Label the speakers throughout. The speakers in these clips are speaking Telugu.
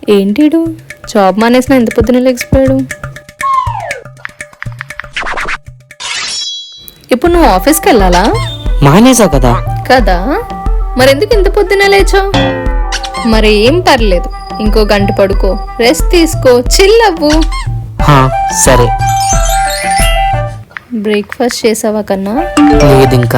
Speaker 1: ఏంటిడు జాబ్ మానేసిన ఎంత పొద్దున లేచిపోయాడు. ఇప్పుడు నువ్వు ఆఫీస్కి వెళ్ళాలా?
Speaker 2: మానేసా కదా.
Speaker 1: కదా మరెందుకు ఇంత పొద్దున లేచావు? మరి ఏం పర్లేదు, ఇంకో గంట పడుకో, రెస్ట్ తీసుకో, చిల్ అవ్వు.
Speaker 2: సరే.
Speaker 1: బ్రేక్ఫాస్ట్ చేసావా కన్నా?
Speaker 2: లేదు ఇంకా.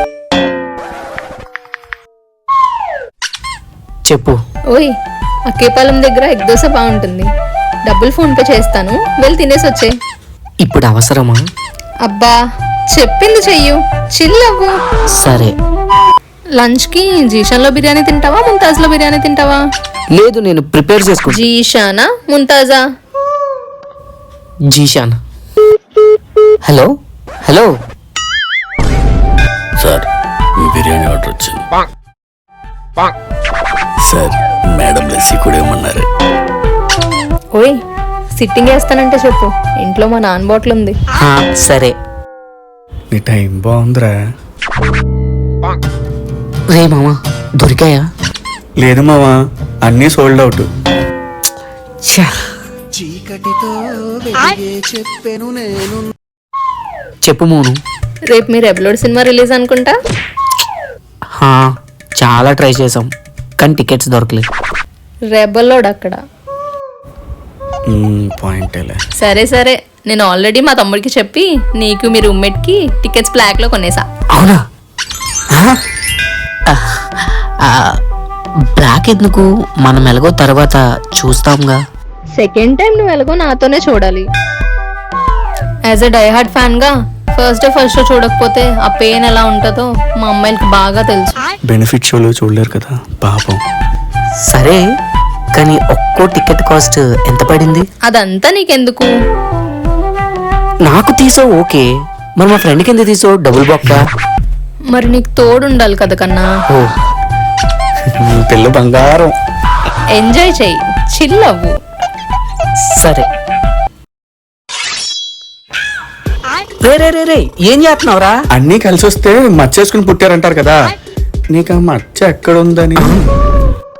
Speaker 2: చెప్పు.
Speaker 1: ఓయ్, అక్కేపాలెం దగ్గర ఎగ్ దోశ బాగుంటుంది, డబ్బులు ఫోన్ పే చేస్తాను, వెళ్ళి తినేసి వచ్చే.
Speaker 2: ఇప్పుడు అవసరమా?
Speaker 1: అబ్బా చెప్పింది చెయ్యు, చిల్ అవ్వు.
Speaker 2: సరే.
Speaker 1: లంచ్ కి జీషాన్లో బిర్యానీ తింటావా, ముంతాజ్లో బిర్యానీ తింటావా?
Speaker 2: లేదు, నేను ప్రిపేర్ చేసుకుంటా.
Speaker 1: జీషానా ముంతాజా?
Speaker 2: జీషాన్. హలో హలో
Speaker 3: సార్, మీ బిర్యానీ ఆర్డర్ వచ్చింది సార్. మేడం లస్సీ కూడా ఏమన్నారు?
Speaker 1: ఓయ్, సిట్టింగ్ వేస్తానంటే చెప్పు, ఇంట్లో మా నాన్న బాటిల్ ఉంది.
Speaker 2: సరే.
Speaker 3: నీ టైం బాగుందిరా.
Speaker 2: రే మామా, దొరికాయా?
Speaker 3: లేదు మావా, అన్నీ సోల్డ్ అవుట్.
Speaker 2: చెప్పు మోను.
Speaker 1: రేపు మీరు రెబలోడ్ సినిమా రిలీజ్ అనుకుంటా.
Speaker 2: చాలా ట్రై చేసాం కానీ టికెట్స్ దొరకలేదు.
Speaker 1: రెబలోడ్ అక్కడ.
Speaker 3: పాయింట్.
Speaker 1: సరే సరే, నేను ఆల్రెడీ మా తమ్ముడికి చెప్పి నీకు మీ రూమ్మేట్ కి టికెట్స్ బ్లాక్ లో కొనేసా.
Speaker 2: అవునా? బ్లాక్ ఎందుకు? మనం ఎలాగో తర్వాత చూస్తాంగా.
Speaker 1: సెకండ్ టైం నువ్వు ఎలాగో నాతోనే చూడాలి. యాజ్ ఎ డైహార్డ్ ఫ్యాన్ గా ఫస్ట్ షో చూడకపోతే ఆ పెయిన్ ఎలా ఉంటుందో మా అమ్మాయిలకి బాగా తెలుసు.
Speaker 3: బెనిఫిట్ షోలో చూడలేరు కదా పాపం.
Speaker 2: సరే, కానీ ఒక్కో టికెట్ కాస్ట్ ఎంత పడింది?
Speaker 1: అదంతా నీకెందుకు?
Speaker 2: నాకు తీసో ఓకే, మరి మా ఫ్రెండ్కి ఎంత తీసో? డబుల్ బొక్క.
Speaker 1: మరి నీకు తోడు ఉండాలి కదా కన్నా.
Speaker 2: ఓ
Speaker 3: పిల్ల బంగారం.
Speaker 1: ఎంజాయ్ చెయ్యి, చిల్ అవ్వు.
Speaker 2: సరే. రే రే రే రే, ఏం చేస్తున్నావురా?
Speaker 3: అన్నీ కలిసి వస్తే మచ్చేసుకుని పుట్టారంటారు కదా, నీకు ఆ మచ్చ ఎక్కడుందని.